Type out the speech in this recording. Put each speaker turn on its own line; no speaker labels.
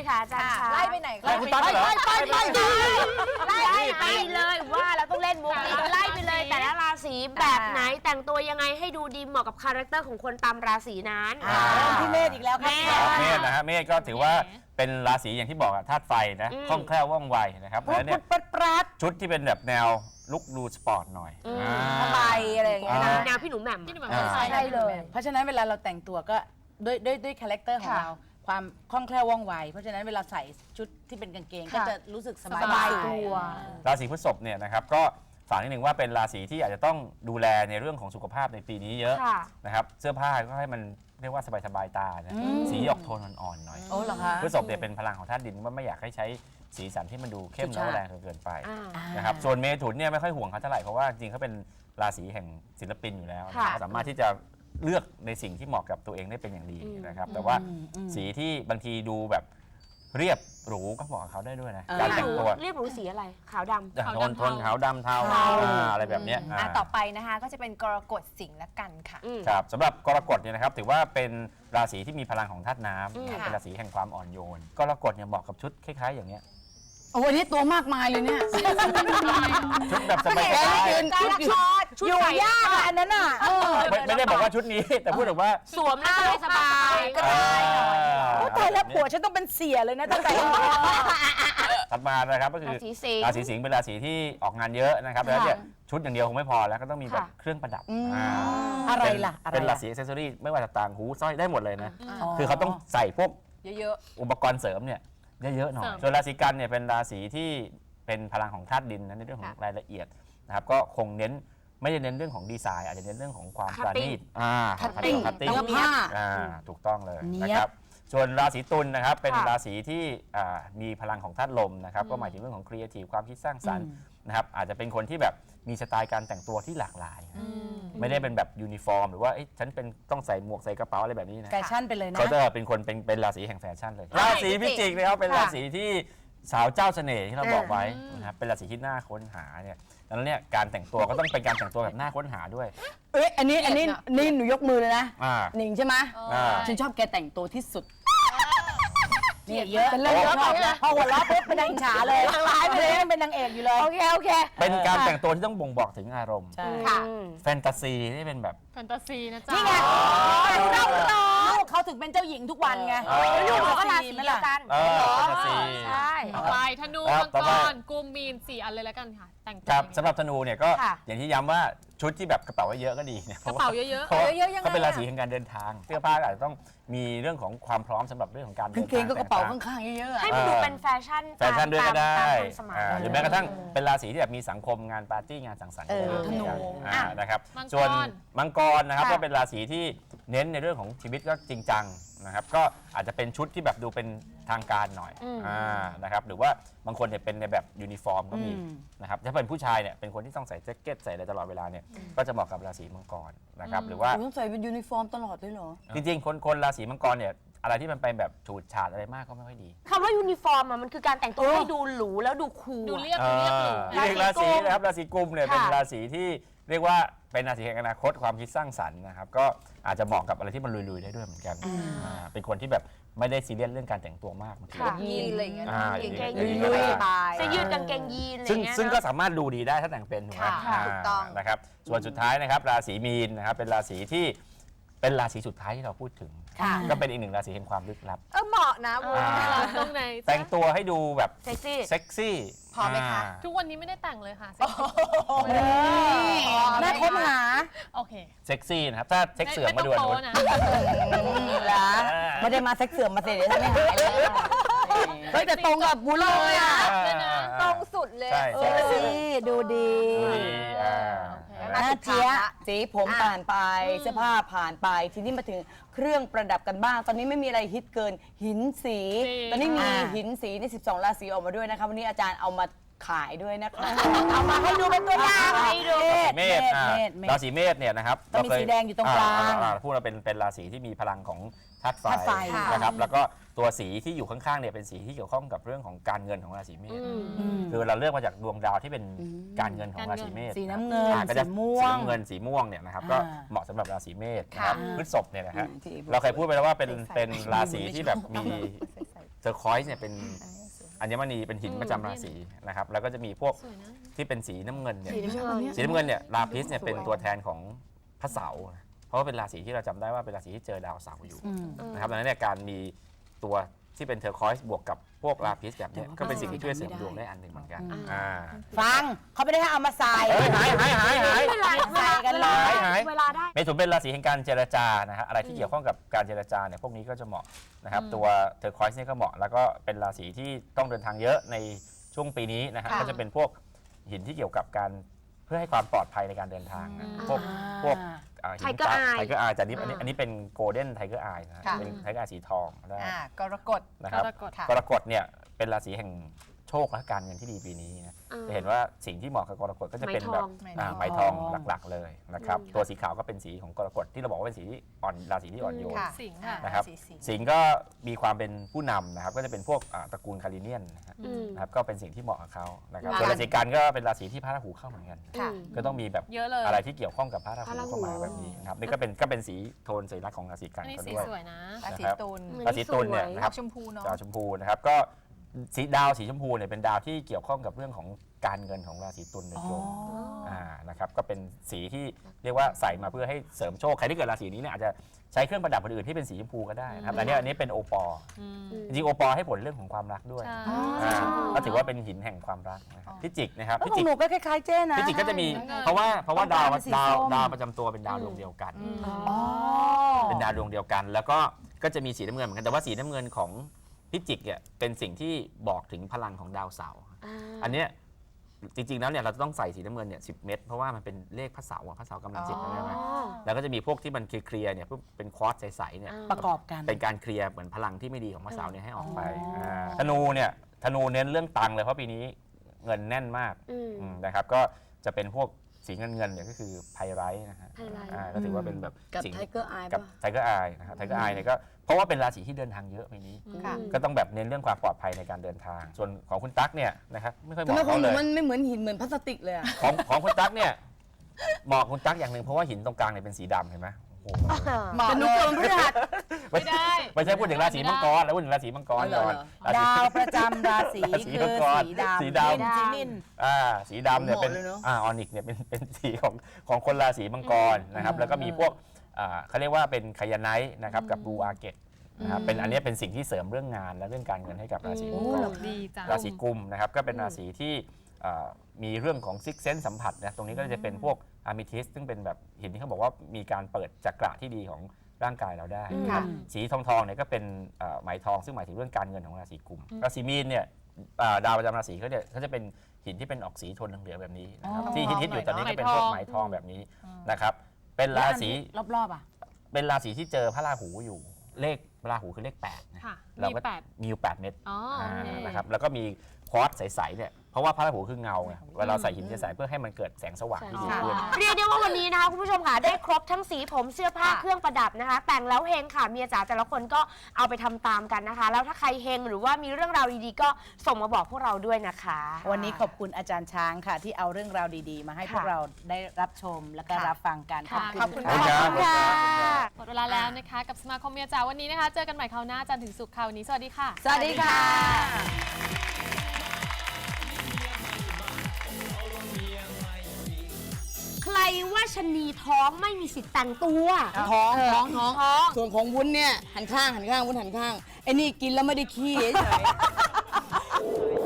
ค่ะอาจารย์คะ
ไล่ไปไหน
ไล่คุณตั๊กเหรอ
ไล่ไปเลยว่าเราต้องเล่นมุกนี้ไล่ไปเลยแต่ละราศีแบบไหนแต่งตัวยังไงให้ดูดีเหมาะกับคาแรคเตอร์ของคนตามราศีนั้น
พี่เมธอีกแล้วครับ
เมษนะฮะเมษก็ถือว่าเป็นราศีอย่างที่บอกอะธาตุไฟนะคล่องแคล่วว่องไวนะครับแล้วเนี่ยชุดที่เป็นแบบแนวลุคดูสปอร์ตหน่อย
สบายอะไรอย่างเงี้ยนะ
แนวพี่หนูแหม่ม
ใช่เลยเพราะฉะนั้นเวลาเราแต่งตัวก็ด้วยคาแรคเตอร์ของเราความคล่องแคล่วว่องไวเพราะฉะนั้นเวลาใส่ชุดที่เป็นกางเกงก็จะรู้สึกสบายตัว
ราศีพฤษภเนี่ยนะครับก็ฝากนิดหนึ่งว่าเป็นราศีที่อาจจะต้องดูแลในเรื่องของสุขภาพในปีนี้เยอะนะครับเสื้อผ้าก็ให้มันเรียกว่าสบายตานะสีออกโทนอ่อนๆหน่อยพฤษภเนี่ยเป็นพลังของธาตุดินว่าไม่อยากให้ใช้สีสันที่มันดูเข้มแล้วแรงเกินไปนะครับส่วนเมถุนเนี่ยไม่ค่อยห่วงเขาเท่าไหร่เพราะว่าจริงเขาเป็นราศีแห่งศิลปินอยู่แล้วสามารถที่จะเลือกในสิ่งที่เหมาะกับตัวเองได้เป็นอย่างดีนะครับแต่ว่าสีที่บางทีดูแบบเรียบหรูก็เหมาะกับเขาได้ด้วยนะการแต่งตัว
เรียบหรูสีอะไรขาวดำ
โทนขาวดำเทาอะไรแบบนี้
ต่อไปนะคะก็จะเป็นกรกฎสิงห์ละกันค่ะ
ครับสำหรับกรกฎเนี่ยนะครับถือว่าเป็นราศีที่มีพลังของธาตุน้ำเป็นราศีแห่งความอ่อนโยนกรกฎเนี่ยเหมาะกับชุดคล้ายๆอย่างเงี้ย
โอ้โหนี่ตัวมากมายเลยเนี่ย
ชุดแบบสบาย
ชุดอยู่ยากอันนั้นอ่ะ
ไม่ได้บอกว่าชุดนี้แต่พูดถึงว่า
สวมแล้วสบาย
ก็ได้ตายแล้วผัวฉันต้องเป็นเสียเลยนะตั้งแต่
ถัดมานะครับก็คือราศีสิงห์เป็นราศีที่ออกงานเยอะนะครับแล้วเนี่ยชุดอย่างเดียวคงไม่พอแล้วก็ต้องมีแบบเครื่องประดับ
อะไรล่ะ
เป็นราศีอ็อกเซสซอรี่ไม่ว่าจะต่างหูสร้อยได้หมดเลยนะคือเขาต้องใส่พวก
เยอะ
อุปกรณ์เสริมเนี่ยเยอะๆหน่อยส่วนราศีกันเนี่ยเป็นราศีที่เป็นพลังของธาตุดินนะในเรื่องของรายละเอียดนะครับก็คงเน้นไม่ได้เน้นเรื่องของดีไซน์อาจจะเน้นเรื่องของความปราณีต
คัตติ้ง
ถูกต้องเลยนะครับส่วนราศีตุลนะครับเป็นราศีที่มีพลังของธาตุลมนะครับก็หมายถึงเรื่องของครีเอทีฟความคิดสร้างสรรค์นะครับอาจจะเป็นคนที่แบบมีสไตล์การแต่งตัวที่หลากหลายไม่ได้เป็นแบบยูนิฟอร์มหรือว่าฉันเป็นต้องใส่หมวกใส่กระเป๋าอะไรแบบนี้นะ
แฟชั่นไปเลยนะ
เขาจะเป็นคนเป็นราศีแห่งแฟชั่นเลยราศีพิจิกนะครับเป็นราศีที่สาวเจ้าเสน่ห์ที่เราบอกไว้นะครับเป็นราศีที่น่าค้นหาเนี่ยดังนั้นเนี่ยการแต่งตัวก็ต้องเป็นการแต่งตัวแบบน่าค้นหาด้วย
อันนี้หนูยกมือเลยนะหนิงใช่ไหมฉันชอบแกแต่งตัวที่สุดนี่เยอะเป็นเรื่องชอบนะพอหัวเราะปุ๊บเป็นนางฉาเลยนางร้ายไปเลยเป็นนางเอกอยู่เลยโอเค
เป็นการแต่งตัวที่ต้องบ่งบอกถึงอารมณ์
ค่ะ
แฟนตาซีนี่เป็นแบบ
แฟนตาซีนะจ๊ะ
นี่ไงเขาถึงเป็นเจ้าหญิงทุกวันไง
ลูกก็ราศีเดียวกัน
แฟนตาซี
ใช่
ไปธนูมังกรกุมมีน4 อันเลยแล้วกันค่ะแต่งตัว
สำหรับธนูเนี่ยก็อย่างที่ย้ำว่าชุดที่แบบกระเป๋าเยอะก็ดีนะ
กระเป๋าเยอะ
ๆเขาเป็นราศีแห่งการเดินทางเสื้อผ้าอาจจะต้องมีเรื่องของความพร้อมสำหรับเรื่องของการเดินทาง
เกงก็กระเป๋าข้างๆเยอะ
ๆให้มันดูเป็นแฟชั่น
ด้วยก็ได้หรือแม้กระทั่งเป็นราศีที่แบบมีสังคมงานปาร์ตี้งานสังสรรค์
ธนู
นะครับส่วนมังกรนะครับก็เป็นราศีที่เน้นในเรื่องของชีวิตก็จริงจังนะครับก็อาจจะเป็นชุดที่แบบดูเป็นทางการหน่อยนะครับหรือว่าบางคนเนี่ยเป็นในแบบยูนิฟอร์มก็มีนะครับถ้าเป็นผู้ชายเนี่ยเป็นคนที่ต้องใส่แจ็คเก็ตใส่อะไรตลอดเวลาเนี่ยก็จะเหมาะกับราศีมังกรนะครับหรือว่า
ต้องใส่เป็นยูนิฟอร์มตลอดเลยเหรอ
จริงๆคนราศีมังกรเนี่ยอะไรที่มันเป็นแบบฉูดฉาดอะไรมากก็ไม่ค่อยดี
คำว่ายูนิฟอร์มมันคือการแต่งตัวให้ดูหรูแล้วดูคูล
ดูเรียบหรู
ราศีนะครับราศีกุมเนี่ยเป็นราศีที่เรียกว่าเป็นราศีแห่งอนาคตความคิดสร้างสรรค์นะครับก็อาจจะเหมาะกับอะไรที่มันลุยๆได้ด้วยเหมือนกันเป็นคนที่แบบไม่ได้ซีเรียสเรื่องการแต่งตัวมาก
ยีนอะไรอย่างเงี้ย
กางเกงยีนเสื้อยืดกางเกงยีนอะไรเงี้ย
ซึ่งก็สามารถดูดีได้ถ้าแต่งเป็นถูกไหม
ถูกต้อง
นะครับส่วนสุดท้ายนะครับราศีมีนนะครับเป็นราศีที่เป็นราศีสุดท้ายที่เราพูดถึงก็เป็นอีกหนึ่งราศีแห่งความลึกลับ
เหมาะนะ
ตรงไหน
แต่งตัวให้ดูแบบ
เซ็
กซี่
พอไหมคะ
ทุกวันนี้ไม่ได้แต่งเลยค่ะ
แม่ค้นหา
โอเค
เซ็กซี่นะครับถ้าเซ็กเสื่อมมาด่วน
นะ
ไม่ได้มาเซ็กเสื่อมมาเสียเดี๋ยวไม่หายเลยแต่ตรงกับบุญเลยอ่ะตรงสุดเลยเซ็กซี่ดูดีน่าเจี๊ยสีผมผ่านไปเสื้อผ้าผ่านไปทีนี้มาถึงเครื่องประดับกันบ้างตอนนี้ไม่มีอะไรฮิตเกินหินสีตอนนี้มีหินสีใน12ราศีออกมาด้วยนะคะวันนี้อาจารย์เอามาขายด้วยนะคะเอามาให้ดูเป็นตัวอย่างให้ดู
เมษราศีเมษเนี่ยนะครับ
เรามีสีแดงอยู่ตรงกลาง
พูดเราเป็นราศีที่มีพลังของธาตุไฟนะครับแล้วก็ตัวสีที่อยู่ข้างๆเนี่ยเป็นสีที่เกี่ยวข้องกับเรื่องของการเงินของราศีเมษคือเราเลือกมาจากดวงดาวที่เป็นการเงินของราศีเมษ
สีน้ำเงินสีม่วง
เงินสีม่วงเนี่ยนะครับก็เหมาะสำหรับราศีเมษนะครับพฤษภเนี่ยนะฮะเราเคยพูดไปแล้วว่าเป็นราศีที่แบบมีเทอร์คอยส์เนี่ยเป็นอัญมณีเป็นหินประจำราศีนะครับแล้วก็จะมีพวก
สวยนะ
ที่เป็นสีน้ำเงินเนี่ย
สีน้ำเงิน
สีน้ำเงินเนี่ยลาพิสเนี่ยเป็นตัวแทนของพระเสาร์นะเพราะว่าเป็นราศีที่เราจำได้ว่าเป็นราศีที่เจอดาวเสาร์อยู่นะครับดังนั้นเนี่ยการมีตัวที่เป็นเทอร์คอยส์บวกกับพวกลาพิสแบบเนี้ยก็เป็นสิ่งที่ช่วยเสริมดวงได้อันหนึ่งเหมือนกัน
ฟังเขาไม่ได้ให้เอามาใส่
เฮ้ยหาย
ใส่กันเลย
เวลาได้
เมถุนเป็นราศีแห่งการเจรจานะฮะอะไรที่เกี่ยวข้องกับการเจรจาเนี่ยพวกนี้ก็จะเหมาะนะครับตัวเทอร์คอยส์เนี่ยก็เหมาะแล้วก็เป็นราศีที่ต้องเดินทางเยอะในช่วงปีนี้นะฮะก็จะเป็นพวกหินที่เกี่ยวกับการเพื่อให้ความปลอดภัยในการเดินทางนะพวกหิน
Tiger Eye
ไทเกอร์อายแต่อันนี้เป็นโกลเด้นไทเกอร์อายนะ
ค่ะ
เป็นไทเกอร์อายสีทองได้
กรกฎ
นะครับ
กรกฎ
ค่ะ
กรกฎเนี่ยเป็นราศีแห่งโชคและการเงินที่ดีปีนี้นะจะเห็นว่าสิ่งที่เหมาะกับกรกฎก็จะเป็นแบบไหมทองหลักๆเลยนะครับตัวสีขาวก็เป็นสีของกรกฎที่เราบอกว่าเป็นสีที่อ่อนราศีที่อ่อนโยน
ค่ะ
สิงห์ค่ะ
นะครับ
สีสิงห์
สิงห์ก็มีความเป็นผู้นำนะครับก็จะเป็นพวกตระกูลคาริเนียนนะครับก็เป็นสิ่งที่เหมาะกับเขานะครับส่วนราศีกันก็เป็นราศีที่พระราหูเข้าเหมือนกัน
ค่ะ
ก็ต้องมีแบบ
เยอะเลย
อะไรที่เกี่ยวข้องกับพระราหูเข้ามาแบบนี้นะครับนี่ก็เป็นสีโทนสัญลักษณ์ของราศีกัน
อันนี้
ก็
สี
ด้วย
สวยนะ
ราศีตุล
ราศีตุลเนี่ยนะค
อ
รั
อบ กชมพูเนาะ
ดาวชมพูนะครับก็ดาวสีชมพูเนี่ยเป็นดาวที่เกี่ยวข้องกับเรื่องของการเงินของราศีตุลโดยตรงนะครับก็เป็นสีที่เรียกว่าใส่มาเพื่อให้เสริมโชคใครที่เกิดราศีนี้เนี่ยอาจจะใช้เครื่องประดับอื่นๆที่เป็นสีชมพูก็ได้นะครับอันนี้เป็นโอปอล์จริงๆโอปอล์ให้ผลเรื่องของความรักด้วย
ใช่
ก็ถือว่าเป็นหินแห่งความรักนะครับพิจิกนะครับ
ข
พิ
อง
จิก
หนูก็คล้ายๆเจ้นะ
พิจิกก็จะมี
ใช่
เพราะว่าดาว
ต้องการเป็นสีส้ม
ดาวประจำตัวเป็นดาวดวงเดียวกัน
อ๋อ
เป็นดาวดวงเดียวกัน แล้วก็จะมีสีน้ำเงินเหมือนกันแต่ว่าสีน้ำเงินของพิจิกเนี่ยเป็นสิ่งที่บอกถึงพลังของดาวเสาร์อันเนี้ยจริงๆแล้วเนี่ยเราจะต้องใส่สีน้ำเงินเนี่ย10 เม็ดเพราะว่ามันเป็นเลขพระเสาร์พระเสาร์กำลัง10ใช่ไหมแล้วก็จะมีพวกที่มันเคลียร์เนี่ยเป็นควอตซ์ใสๆเนี่ย
ประกอบกัน
เป็นการเคลียร์เหมือนพลังที่ไม่ดีของพระเสาร์เนี่ยให้ออกไปธนูเนี่ยธนูเน้นเรื่องตังค์เลยเพราะปีนี้เงินแน่นมากนะครับก็จะเป็นพวกสีเงินเนี่ยก็คือไพไรท์นะฮะก็ถือว่าเป็นแบบ
กับ
สิ่ง
ไทเกอร์อาย
กับไทเกอร์อายนะครับไทเกอร์อายเนี่ยก็เพราะว่าเป็นราศีที่เดินทางเยอะปีนี้
ค่ะ
ก็ต้องแบบเน้นเรื่องความปลอดภัยในการเดินทาง ส่วนของคุณตั๊กเนี่ยนะครับไม่ค่อยเห
ทำไม
มาะ
ของ
เขา
ห
เล
นู
ย
มันไม่เหมือนหินเหมือนพลาสติกเลยอะ
ของคุณตั๊กเนี่ยเหมาะคุณตั๊กอย่างหนึ่งเพราะว่าหินตรงกลางเนี่ยเป็นสีดำเห็นไหมโอ้โห
แต่หนูเกินพฤหัส
ไม่ได้
ไม่ใช่พูดถึงราศีมังกรแล้วพูดถึงราศีมังกรก่อนราศี
ดาวประจำราศี
ราศี
คือ
มังกร
สีดำ
สีดำ
เป็นจีนิน
สีดำเนี่ยเป็น
เหมาะเลยเนอะ
ออนิกเนี่ยเป็นสีของคนราศีมังกรนะครับแล้วก็มีพวกเขาเรียกว่าเป็นไคยาไนท์นะครับกับบลูอาเกตนะครับเป็นอันนี้เป็นสิ่งที่เสริมเรื่องงานและเรื่องการเงินให้กับราศีมังกร
ดีจัง
ราศีกุมนะครับก็เป็นราศีที่มีเรื่องของซิกเซนสัมผัสนะตรงนี้ก็จะเป็นพวกอะมิทิสซึ่งเป็นแบบหินที่เขาบอกว่ามีการเปิดจักระที่ดีของร่างกายเราได้นะครับสีทองเนี่ยก็เป็นไหมทองซึ่งหมายถึงเรื่องการเงินของราศีกุมราศีมีนเนี่ยดาวประจำราศีเขาเนี่ยเขาจะเป็นหินที่เป็นออกสีโทนเหลืองๆแบบนี้นะครับที่ฮิตๆอยู่ตอนนี้ก็เป็นพวกไหมทองแบบนี้นะครับเป็นราศี
รอบๆอ่ะ
เป็นราศีที่เจอพระราหูอยู่เลขพระราหูคือเลข8นะ
ค่ะ
เรา
มี
ก็
8
มีอยู่8เม็ด
อ๋อโอเค
นะครับแล้วก็มีควอตซ์ใสๆเนี่ยเพราะว่าพระราหูคือเงาไงเวลาเราใส่หินใสๆเพื่อให้มันเกิดแสงสว่างที่ดีขึ้น
เรียกได้ว่าวันนี้นะคะคุณผู้ชมค่ะได้ครบทั้งสีผมเสื้อผ้าเครื่องประดับนะคะ แต่งแล้วเฮงค่ะเมียจ๋าแต่ละคนก็เอาไปทำตามกันนะคะ แล้วถ้าใครเฮงหรือว่ามีเรื่องราวดีๆก็ส่งมาบอกพวกเราด้วยนะคะ
วันนี้ขอบคุณอาจารย์ช้างค่ะ ที่เอาเรื่องราวดีๆ มาให้พวก
ค่ะ
เราได้รับชมและก็
ค่ะ
รับฟังกัน
ค่ะ
ขอบคุณ
ขอบคุณครับ
ค่ะ
หมดเวลาแล้วนะคะกับสมาคมเมียจ๋าวันนี้นะคะ เจอกันใหม่คราวหน้าจันทร์ถึงศุกร์ค่ะวันนี้สวัสดีค่ะ
สวัสดีค่ะ
ใครว่าชะนีท้องไม่มีสิทธิ์แต่งตัว
ท้องส่วนของวุ้นเนี่ยหันข้างวุ้นหันข้างไอ้นี่กินแล้วไม่ได้ขี้เฉย